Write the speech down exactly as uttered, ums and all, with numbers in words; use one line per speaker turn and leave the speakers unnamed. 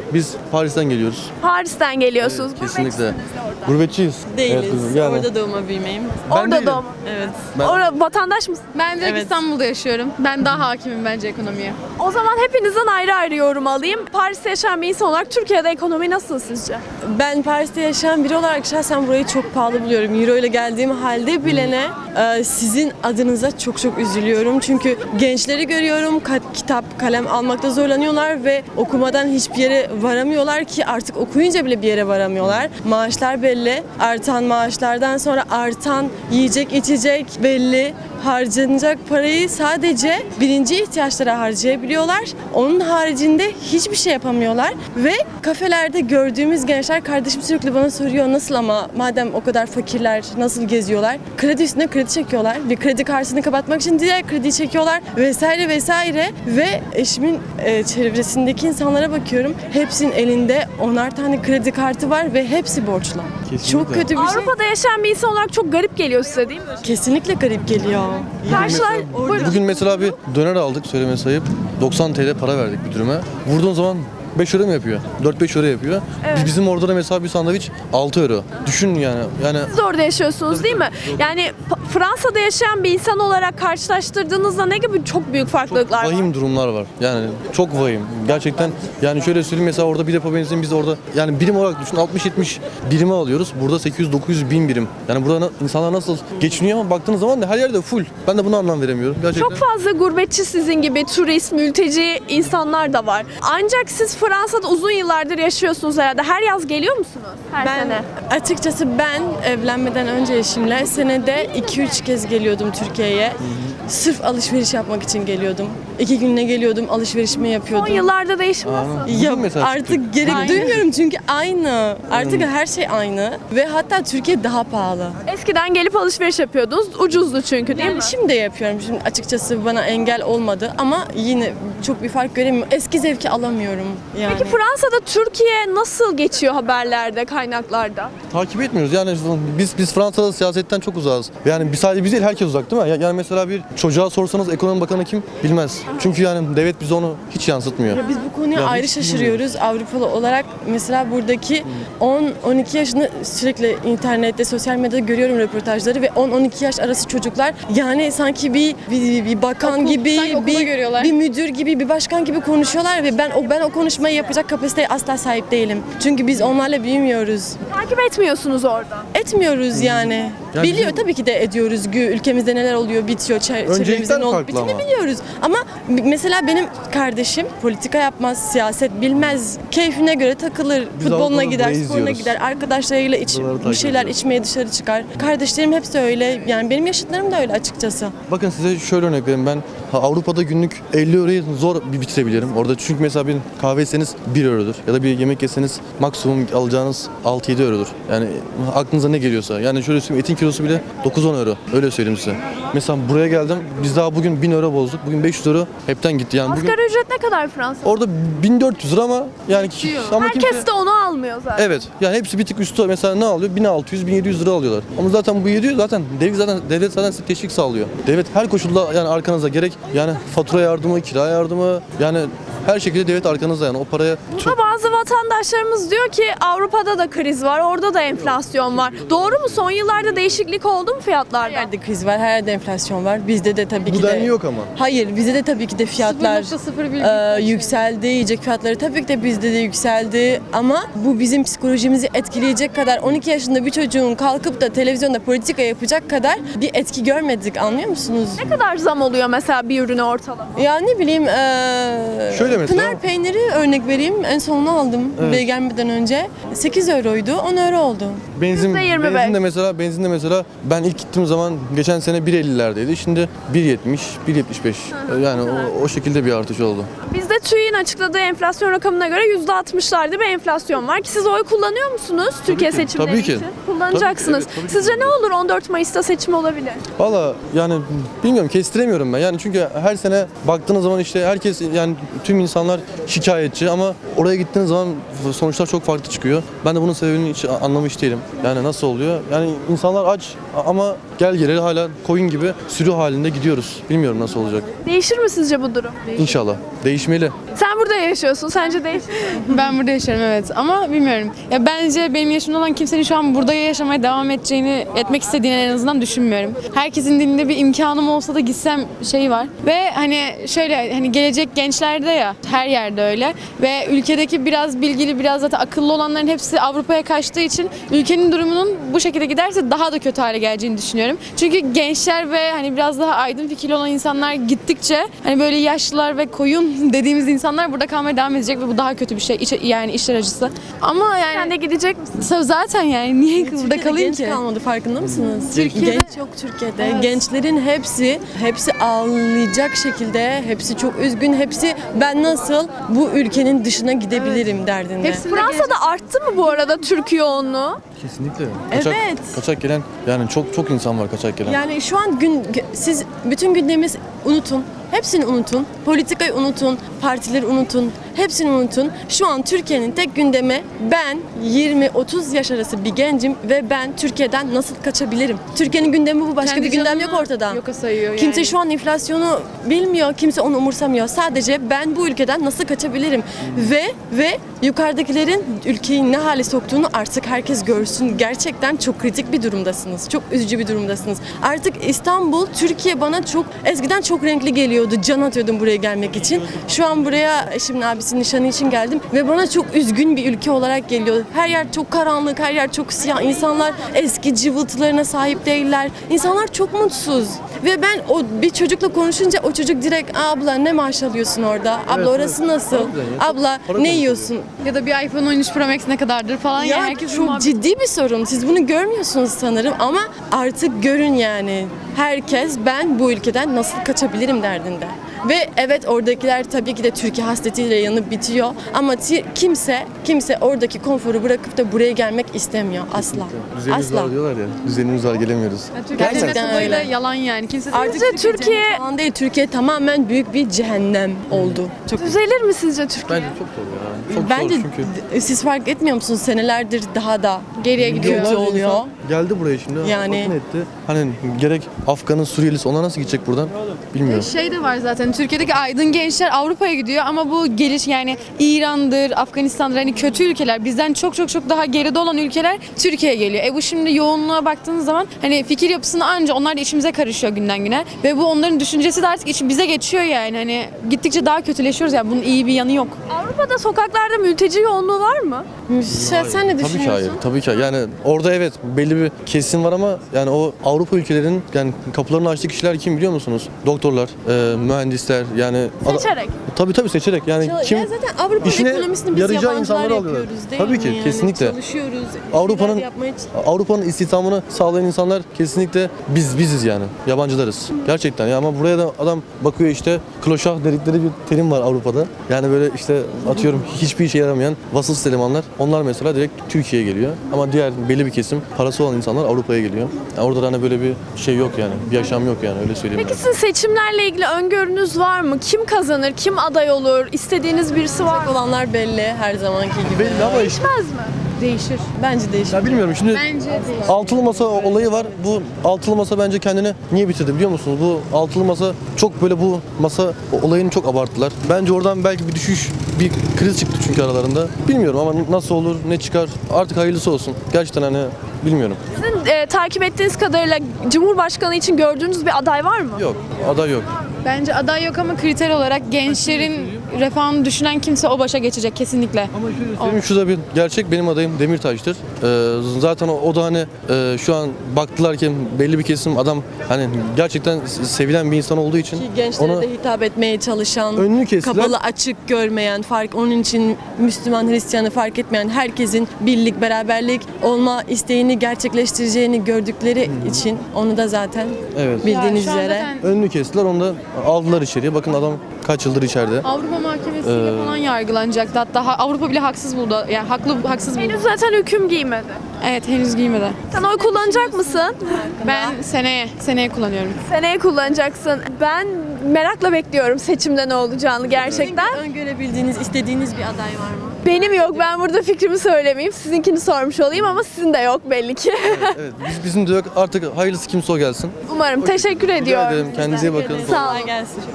Biz Paris'ten geliyoruz.
Paris'ten geliyorsunuz.
Evet, kesinlikle.
Gurbetçisiniz de orada.
Gurbetçiyiz.
Değiliz.
Evet, kızım, yani.
Orada doğma büyümeyim.
Ben
Orada
değilim.
doğma.
Evet.
Ben-
Orada vatandaş mısın?
Ben direkt
Evet.
İstanbul'da yaşıyorum. Ben daha hakimim bence ekonomiye.
O zaman hepinizden ayrı ayrı yorum alayım. Paris'te yaşayan bir insan olarak Türkiye'de ekonomi nasıl sizce?
Ben Paris'te yaşayan biri olarak şahsen burayı çok pahalı buluyorum. Euro ile geldiğim halde bilene e, sizin adınıza çok çok üzülüyorum. Çünkü gençleri görüyorum, ka- kitap, kalem almakta zorlanıyorlar ve okumadan hiçbir yere varamıyorlar ki artık okuyunca bile bir yere varamıyorlar. Maaşlar belli. Artan maaşlardan sonra artan yiyecek, içecek belli. Harcanacak parayı sadece birinci ihtiyaçlara harcayabiliyorlar. Onun haricinde hiçbir şey yapamıyorlar ve kafelerde gördüğümüz gençler, kardeşim sürekli bana soruyor nasıl ama madem o kadar fakirler nasıl geziyorlar? Kredi üstüne kredi çekiyorlar. Bir kredi kartını kapatmak için diğer krediyi çekiyorlar vesaire vesaire ve eşimin e, çevresindeki insanlara bakıyorum. Hepsinin elinde onar tane kredi kartı var ve hepsi borçlu.
Kesinlikle.
Çok kötü bir şey.
Avrupa'da yaşayan bir insan olarak çok garip geliyor size değil mi?
Kesinlikle garip geliyor.
Karşılar... Buyurun.
Bugün mesela bir döner aldık, söyleme sayıp doksan T L para verdik bir dürüme. Vurduğun zaman beş euro mu yapıyor? dört beş euro yapıyor.
Evet.
Biz Bizim orada da mesela bir sandviç altı euro. Düşün yani. Yani
Siz de orada yaşıyorsunuz değil mi? Yani P- Fransa'da yaşayan bir insan olarak karşılaştırdığınızda ne gibi çok büyük farklılıklar var?
vahim durumlar var. Yani çok vahim. Gerçekten yani şöyle söyleyeyim, mesela orada bir depo benzin biz orada yani birim olarak düşün altmış yetmiş birime alıyoruz. Burada sekiz yüz dokuz yüz bin birim. Yani burada na- insanlar nasıl geçiniyor ama baktığınız zaman da her yerde full. Ben de buna anlam veremiyorum. Gerçekten.
Çok fazla gurbetçi sizin gibi turist, mülteci insanlar da var. Ancak siz Fransa'da uzun yıllardır yaşıyorsunuz herhalde. Her yaz geliyor musunuz? Her
Ben
sene.
açıkçası ben evlenmeden önce eşimle senede iki üç kez geliyordum Türkiye'ye. Sırf alışveriş yapmak için geliyordum. İki gününe geliyordum, alışverişimi
Son
yapıyordum.
yıllarda değişim nasıl?
Bugün
Ya
mesela
artık
çıktık.
gerek
Aynen.
duymuyorum çünkü aynı. Artık her şey aynı ve hatta Türkiye daha pahalı.
Eskiden gelip alışveriş yapıyordunuz. Ucuzdu çünkü değil mi?
Yani şimdi de yapıyorum. Şimdi açıkçası bana engel olmadı ama yine çok bir fark göremiyorum. Eski zevki alamıyorum yani.
Peki Fransa'da Türkiye nasıl geçiyor haberlerde, kaynaklarda?
Takip etmiyoruz. Yani biz biz Fransa'da siyasetten çok uzağız. Yani biz sadece biz değil, herkes uzak değil mi? Ya- Yani mesela bir çocuğa sorsanız ekonomi bakanı kim bilmez. Çünkü yani devlet bize onu hiç yansıtmıyor.
Ya biz bu konuya
Ya
ayrı
hiç
şaşırıyoruz Avrupalı olarak. Mesela buradaki on on iki yaşında sürekli internette, sosyal medyada görüyorum röportajları ve on on iki yaş arası çocuklar yani sanki bir bir, bir bakan
Okul,
gibi,
sanki okulda
bir,
görüyorlar.
bir müdür gibi, bir başkan gibi konuşuyorlar ve ben o ben o konuşmayı yapacak kapasiteye asla sahip değilim. Çünkü biz onlarla büyümüyoruz.
Takip etmiyorsunuz orada.
Etmiyoruz yani.
Ya
Biliyor
bizim-
tabii ki de ediyoruz. Gü- Ülkemizde neler oluyor, bitiyor, çe-
Öncelikler
çevremizde ne olup
farklı
bittiğini
ama.
biliyoruz. Ama b- mesela benim kardeşim politika yapmaz, siyaset bilmez. Keyfine göre takılır.
Biz
Futboluna
Avrupa'da
gider,
burayı
sporuna
izliyoruz.
gider, arkadaşlarıyla iç,
Buraları
bir
takip
şeyler
ediyoruz.
içmeye dışarı çıkar. Kardeşlerim hepsi öyle. Yani benim yaşıtlarım da öyle açıkçası.
Bakın size şöyle örnek vereyim. Ben ha, Avrupa'da günlük elli euroyu zor bir bitirebilirim. Orada çünkü mesela bir kahve içseniz bir eurodur. Ya da bir yemek yeseniz maksimum alacağınız altı yedi eurodur. Yani aklınıza ne geliyorsa. Yani şöyle söyleyeyim, etin kilosu bile dokuz on euro. Öyle söyleyeyim size. Mesela buraya geldim. Biz daha bugün bin euro bozduk. Bugün beş yüz euro hepten gitti. Yani bugün
Asgari ücret ne kadar Fransa'da?
orada bin dört yüz lira ama yani ama
Herkes
kimse...
de onu almıyor zaten.
Evet. Yani hepsi bir tık üstü. Mesela ne alıyor? bin altı yüz bin yedi yüz lira alıyorlar. Ama zaten bu yedi yüz zaten devlet zaten devlet zaten size teşvik sağlıyor. Devlet her koşulda yani arkanızda, gerek yani fatura yardımı, kira yardımı, yani her şekilde devlet arkanızda, yani o paraya çok...
Burada bazı vatandaşlarımız diyor ki Avrupa'da da kriz var, orada da enflasyon var. Doğru mu? Son yıllarda değişiklik oldu mu
Her
fiyatlarda?
yerde kriz var, her yerde enflasyon var. Bizde de tabii
Bu
ki de...
denli yok ama.
Hayır, bizde de tabii ki de fiyatlar
sıfır nokta sıfır bir
e, yükseldi. Yiyecek fiyatları tabii ki de bizde de yükseldi. Ama bu bizim psikolojimizi etkileyecek kadar, on iki yaşında bir çocuğun kalkıp da televizyonda politika yapacak kadar bir etki görmedik, anlıyor musunuz?
Ne kadar zam oluyor mesela bir ürüne ortalama?
Ya ne bileyim, e,
Şöyle mesela-
Pınar peyniri örnek vereyim. En sonunu aldım
Evet.
buraya gelmeden önce. sekiz euroydu, on euro oldu.
Benzin,
yüzde yirmi beş.
benzin de mesela, benzin de mesela ben ilk gittiğim zaman geçen sene bir ellilerdeydi. Şimdi bir yetmiş, bir yetmiş beş. Yani o, o şekilde bir artış oldu.
Bizde TÜİK'in açıkladığı enflasyon rakamına göre yüzde altmışlarda bir enflasyon var ki siz oy kullanıyor musunuz Türkiye
ki,
seçimleri
tabii ki.
için? Kullanacaksınız.
Tabii ki, evet, tabii ki
Sizce ne olur on dört Mayıs'ta seçim olabilir?
Valla yani bilmiyorum, kestiremiyorum ben. Yani çünkü her sene baktığınız zaman işte herkes, yani tüm insanlar şikayetçi ama oraya gittiğiniz zaman sonuçlar çok farklı çıkıyor. Ben de bunun sebebini hiç anlamış değilim. Yani nasıl oluyor? Yani insanlar aç ama gel geleli hala koyun gibi sürü halinde gidiyoruz. Bilmiyorum nasıl olacak.
Değişir mi sizce bu durum?
İnşallah. Değişmeli.
Sen burada yaşıyorsun. Sence değişir mi?
Ben burada yaşıyorum evet ama bilmiyorum. Ya bence benim yaşımda olan kimsenin şu an burada yaşamaya devam edeceğini, etmek istediğini en azından düşünmüyorum. Herkesin dilinde bir imkanım olsa da gitsem şey var. Ve hani şöyle hani gelecek gençlerde ya her yerde öyle ve ülkedeki biraz bilgili biraz zaten akıllı olanların hepsi Avrupa'ya kaçtığı için ülkenin durumunun bu şekilde giderse daha da kötü hale geleceğini düşünüyorum. Çünkü gençler ve hani biraz daha aydın fikirli olan insanlar gittikçe hani böyle yaşlılar ve koyun dediğimiz insanlar burada kalmaya devam edecek ve bu daha kötü bir şey. İç, yani işler acısı. Ama yani
Sen de gidecek misin?
zaten yani niye burada
Türkiye'de
kalayım
genç
ki?
kalmadı farkında mısınız?
Türkiye'de-
Genç yok Türkiye'de. Gençlerin hepsi hepsi ağlayacak şekilde, hepsi çok üzgün, hepsi ben nasıl bu ülkenin dışına gidebilirim derdinde.
Hepsi-
Fransa'da arttı mı bu arada Türk yoğunluğu?
Kesinlikle. Kaçak,
Evet.
kaçak gelen yani çok çok insan var kaçak gelen.
Yani şu an gün siz bütün gündemimiz unutun. Hepsini unutun. Politikayı unutun. Partileri unutun. Hepsini unutun. Şu an Türkiye'nin tek gündemi ben yirmi otuz yaş arası bir gencim ve ben Türkiye'den nasıl kaçabilirim? Türkiye'nin gündemi bu. Başka
Kendi
bir gündem
canını
yok ortada.
Yoka sayıyor yani.
Kimse şu an enflasyonu bilmiyor, kimse onu umursamıyor. Sadece ben bu ülkeden nasıl kaçabilirim? Ve ve yukarıdakilerin ülkeyi ne hale soktuğunu artık herkes görsün. Gerçekten çok kritik bir durumdasınız. Çok üzücü bir durumdasınız. Artık İstanbul, Türkiye bana çok eskiden çok renkli geliyordu. Can atıyordum buraya gelmek için. Şu an buraya eşimin abisinin nişanı için geldim ve bana çok üzgün bir ülke olarak geliyor. Her yer çok karanlık, her yer çok siyah. İnsanlar eski cıvıltılarına sahip değiller. İnsanlar çok mutsuz. Ve ben o bir çocukla konuşunca o çocuk direkt abla ne maaş alıyorsun orada? Abla
Evet,
orası
evet.
nasıl?
Harbiden ya.
Abla
Para
ne
konuşuyor.
yiyorsun?
Ya da bir iPhone on üç Pro Max ne kadardır falan ya,
Ya
herkes bu
çok
muhabbet-
ciddi bir sorun. Siz bunu görmüyorsunuz sanırım ama artık görün yani. Herkes ben bu ülkeden nasıl kaçabilirim derdinde. Ve evet oradakiler tabii ki de Türkiye hasretiyle yanıp bitiyor ama ti- kimse kimse oradaki konforu bırakıp da buraya gelmek istemiyor asla.
Düzenimiz
Asla.
var diyorlar ya. Düzenimiz var gelemiyoruz.
Ya Türkiye
Gerçekten
cennet olayı da
öyle.
yalan yani. Kimse
Artık
Sizce
Türkiye,
Türkiye-
cennet falan değil. Türkiye tamamen büyük bir cehennem oldu. Çok
Düzelir mi sizce Türkiye?
Bence çok zor ya. Çok
Bence
zor çünkü.
d- siz fark etmiyor musunuz? Senelerdir daha da
geriye gidiyor.
kötü
Milyonlarca
oluyor.
insan Geldi buraya şimdi.
Yani-
Bakın etti. Hani gerek Afgan'ın Suriyelisi ona nasıl gidecek buradan bilmiyorum.
Şey de var zaten Türkiye'deki aydın gençler Avrupa'ya gidiyor ama bu geliş yani İran'dır, Afganistan'dır hani kötü ülkeler bizden çok çok çok daha geride olan ülkeler Türkiye'ye geliyor. E bu şimdi yoğunluğa baktığınız zaman hani fikir yapısını anca onlar da içimize karışıyor günden güne ve bu onların düşüncesi de artık içi bize geçiyor yani hani gittikçe daha kötüleşiyoruz yani bunun iyi bir yanı yok.
Avrupa'da sokaklarda mülteci yoğunluğu var mı?
Sen, sen ne
Tabii ki
düşünüyorsun?
hayır. Tabii ki hayır. Yani orada evet belli bir kesim var ama yani o Avrupa ülkelerinin yani kapılarını açtığı kişiler kim biliyor musunuz? Doktorlar, e, mühendisler yani
Seçerek.
Tabii tabii seçerek. Yani
Ya
kim
zaten Avrupa
işine
ekonomisini biz
yarayacağı
yabancılar
insanları alıyorlar.
yapıyoruz değil
Tabii
mi?
ki,
Yani
kesinlikle.
Çalışıyoruz. bir
Avrupa'nın
şeyler yapmaya ç-
Avrupa'nın istihdamını sağlayan insanlar kesinlikle biz biziz yani. Yabancılarız. Gerçekten ya ama buraya da adam bakıyor işte kloşah dedikleri bir terim var Avrupa'da. Yani böyle işte atıyorum hiçbir işe yaramayan vasıfsız elemanlar. Onlar mesela direkt Türkiye'ye geliyor. Ama diğer belli bir kesim parası olan insanlar Avrupa'ya geliyor. Yani orada da hani böyle bir şey yok yani. Bir yaşam yok yani öyle söyleyeyim.
Peki sizin seçimlerle ilgili öngörünüz var mı? Kim kazanır? Kim aday olur? İstediğiniz birisi var mı?
olanlar belli her zamanki gibi.
Belli ama işte
Değişmez mi?
Değişir.
Bence değişir.
ya bilmiyorum şimdi
Bence değişir.
altılı masa olayı var. Bu altılı masa bence kendini niye bitirdi biliyor musunuz? Bu altılı masa çok böyle bu masa olayını çok abarttılar. Bence oradan belki bir düşüş, bir kriz çıktı çünkü aralarında. Bilmiyorum ama nasıl olur, ne çıkar artık hayırlısı olsun. Gerçekten hani bilmiyorum.
Sizin e, takip ettiğiniz kadarıyla Cumhurbaşkanı için gördüğünüz bir aday var mı?
Yok, aday yok.
Bence aday yok ama kriter olarak gençlerin refahını düşünen kimse o başa geçecek kesinlikle.
Ama şöyle söyleyeyim, şu da bir gerçek, benim adayım Demirtaş'tır. Ee, zaten o, o da hani e, şu an baktılar ki belli bir kesim adam hani gerçekten sevilen bir insan olduğu için
Ki gençlere
ona
de hitap etmeye çalışan,
önünü kestiler.
kapalı açık görmeyen, fark onun için Müslüman Hristiyanı fark etmeyen herkesin birlik, beraberlik olma isteğini gerçekleştireceğini gördükleri için onu da zaten
Evet.
bildiğiniz
Ya şu an
üzere
zaten
Önünü kestiler, onu da aldılar içeriye. Bakın adam kaç yıldır içeride.
Avrupa Mahkemesi'yle
Ee,
falan yargılanacaktı. Hatta ha- Avrupa bile haksız buldu. Yani haklı haksız buldu.
Henüz zaten hüküm giymedi.
Evet henüz giymedi.
Sen oy kullanacak mısın?
Ben seneye, seneye kullanıyorum.
Seneye kullanacaksın. Ben merakla bekliyorum seçimde ne olacağını gerçekten.
öngörebildiğiniz, istediğiniz bir aday var mı?
Benim yok. Ben burada fikrimi söylemeyeyim. Sizinkini sormuş olayım ama sizin de yok belli ki.
Evet, biz, bizim de yok. Artık hayırlısı kimse o gelsin.
Umarım. Teşekkür
Rica
ediyorum.
ederim. Kendinize iyi bakın.
Sağ olun.
Kolay gelsin.